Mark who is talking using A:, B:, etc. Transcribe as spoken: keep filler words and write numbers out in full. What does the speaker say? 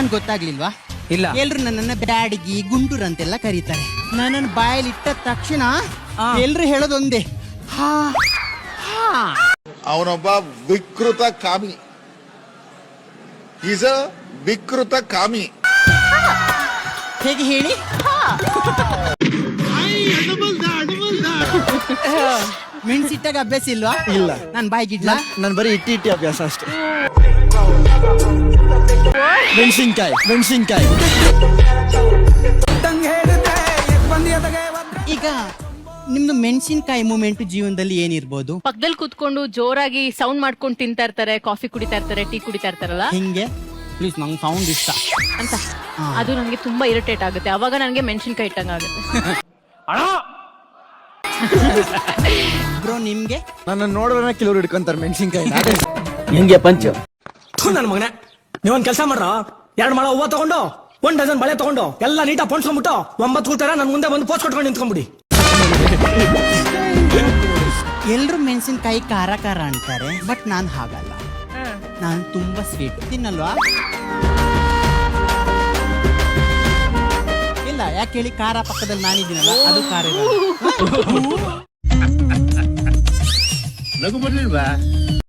A: ನನ್ ಗೊತ್ತಾಗ್ಲಿಲ್ವಾ?
B: ಇಲ್ಲ.
A: ಎಲ್ರು ನನ್ನನ್ನ ಬ್ಯಾಡಗಿ ಗುಂಟೂರ್ ಅಂತೆಲ್ಲ ಕರೀತಾರೆ. ನನ್ನ ಬಾಯಲ್ಲಿ ಇಟ್ಟ ತಕ್ಷಣ ಎಲ್ರು ಹೇಳೋದೊಂದೇ, ಹಾ ಹಾ.
C: ಅವನೊಬ್ಬ ವಿಕೃತ ಕಾಮಿ. ಈಸ್ ಅ ವಿಕೃತ ಕಾಮಿ.
A: ಹೇಗೆ ಹೇಳಿ? ಮೆಣಸಿಟ್ಟಾಗ ಅಭ್ಯಾಸ ಇಲ್ವಾ?
D: ಇಲ್ಲ.
A: ನಾನ್ ಬಾಯಿಗಿಡ್ಲಾ?
D: ನನ್ ಬರೀ ಇಟ್ಟಿ ಇಟ್ಟಿ ಅಭ್ಯಾಸ ಅಷ್ಟೇ. ಮೆಣಸಿನ್ಕಾಯಿ ಮೆಣಸಿನ್ಕಾಯಿ
A: ಈಗ ನಿಮ್ದು ಮೆಣಸಿನ್ಕಾಯಿ ಮೂಮೆಂಟ್ ಜೀವನದಲ್ಲಿ ಏನಿರ್ಬೋದು?
E: ಪಕ್ಕದಲ್ಲಿ ಕೂತ್ಕೊಂಡು ಜೋರಾಗಿ ಸೌಂಡ್ ಮಾಡ್ಕೊಂಡು ತಿಂತಾ ಇರ್ತಾರೆ, ಕಾಫಿ ಕುಡಿತಾ ಇರ್ತಾರೆ, ಟೀ ಕುಡಿತಾ ಇರ್ತಾರಲ್ಲ
A: ಹಿಂಗೆ ಪ್ಲೀಸ್, ನಂಗೆ ಸೌಂಡ್ ಇಷ್ಟ
E: ಅಂತ. ಅದು ನನಗೆ ತುಂಬಾ ಇರಿಟೇಟ್ ಆಗುತ್ತೆ. ಅವಾಗ ನನಗೆ ಮೆಣಸಿನ್ಕಾಯಿ ಇಟ್ಟಂಗ ಆಗುತ್ತೆ.
A: ಬ್ರೋ ನಿಮ್ಗೆ?
D: ನನ್ನ ನೋಡಿದ್ರೆ ಕೆಲವ್ರು ಹಿಡ್ಕೊಂತಾರೆ ಮೆಣಸಿನ್ಕಾಯಿ.
F: ಹೆಂಗೆ ಪಂಚ
G: ನನ್ನ ಮಗನೇ, ನೀವೊಂದ್ ಕೆಲಸ ಮಾಡ್ರ, ಎರಡ್ ಮಳ ಹೂವ ತಗೊಂಡು ಒಂದ್ ಡಜನ್ ಬಳೆ ತಗೊಂಡು ಎಲ್ಲ ನೀಟಾಗಿ ಪೊಣ್ಸ್ಕೊಂಡ್ಬಿಟ್ಟು ಒಂಬತ್ತು ಕೂತಾರ ನನ್ ಮುಂದೆ ಬಂದು ಪೋಸ್ಟ್ ಕೊಟ್ಕೊಂಡು ನಿಂತ್ಕೊಂಡ್ಬಿಡಿ.
A: ಎಲ್ರು ಮೆಣಸಿನ್ಕಾಯಿ ಖಾರ ಖಾರ ಅಂತಾರೆ, ಬಟ್ ನಾನ್ ಹಾಗಲ್ಲ. ನಾನು ತುಂಬಾ ಸ್ವೀಟ್ ತಿನ್ನಲ್ವಾ? ಇಲ್ಲ, ಯಾಕೆ ಹೇಳಿ? ಖಾರ ಪಕ್ಕದಲ್ಲಿ ನಾನಿದ್ದೀನಲ್ಲ, ಅದು ಖಾರ ಇರಲ್ಲ.
F: ನಗು ಬರ್ಲಿಲ್ವಾ?